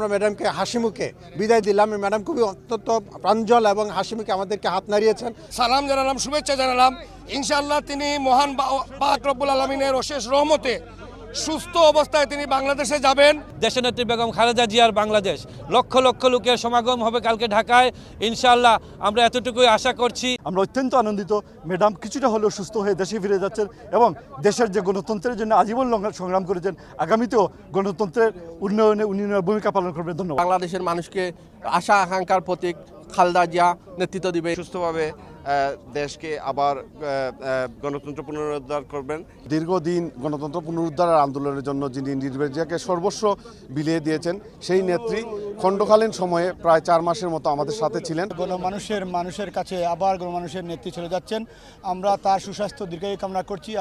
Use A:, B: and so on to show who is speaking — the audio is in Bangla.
A: আমরা ম্যাডামকে হাসিমুখে বিদায় দিলাম। ম্যাডাম খুবই অত্যন্ত প্রাঞ্জল এবং হাসিমুখে আমাদেরকে হাত নাড়িয়েছেন।
B: সালাম জানালাম, শুভেচ্ছা জানালাম। ইনশাআল্লাহ তিনি মহান পাক রব্বুল আলামিনের অশেষ রহমতে সুস্থ অবস্থায় তিনি বাংলাদেশে যাবেন।
C: দেশনেত্রী বেগম খালেদা জিয়ার বাংলাদেশ, লক্ষ লক্ষ লোকের সমাগম হবে কালকে ঢাকায়। ইনশাআল্লাহ আমরা এতটুকুই আশা করছি।
D: আমরা অত্যন্ত আনন্দিত, ম্যাডাম কিছুটা হলেও সুস্থ হয়ে দেশে ফিরে যাচ্ছেন এবং দেশের যে গণতন্ত্রের জন্য আজীবন সংগ্রাম করেছেন, আগামীতেও গণতন্ত্রের উন্নয়নে উন্নয়নের ভূমিকা পালন করবেন। ধন্যবাদ।
E: বাংলাদেশের মানুষকে আশা আকাঙ্ক্ষার প্রতীক খালেদা জিয়া নেতৃত্ব দিবে,
F: সুস্থভাবে দেশকে আবার গণতন্ত্র পুনরুদ্ধার করবেন।
G: দীর্ঘদিন গণতন্ত্র পুনরুদ্ধারের আন্দোলনের জন্য যিনি নির্ভেজিয়াকে সর্বস্ব বিলিয়ে দিয়েছেন, সেই নেত্রী খণ্ডকালীন সময়ে প্রায় 4 মাসের মতো আমাদের সাথে ছিলেন।
H: মানুষের কাছে আবার গণমানুষের নেত্রী চলে যাচ্ছেন। আমরা তার সুস্বাস্থ্য দীর্ঘায়ু কামনা করছি।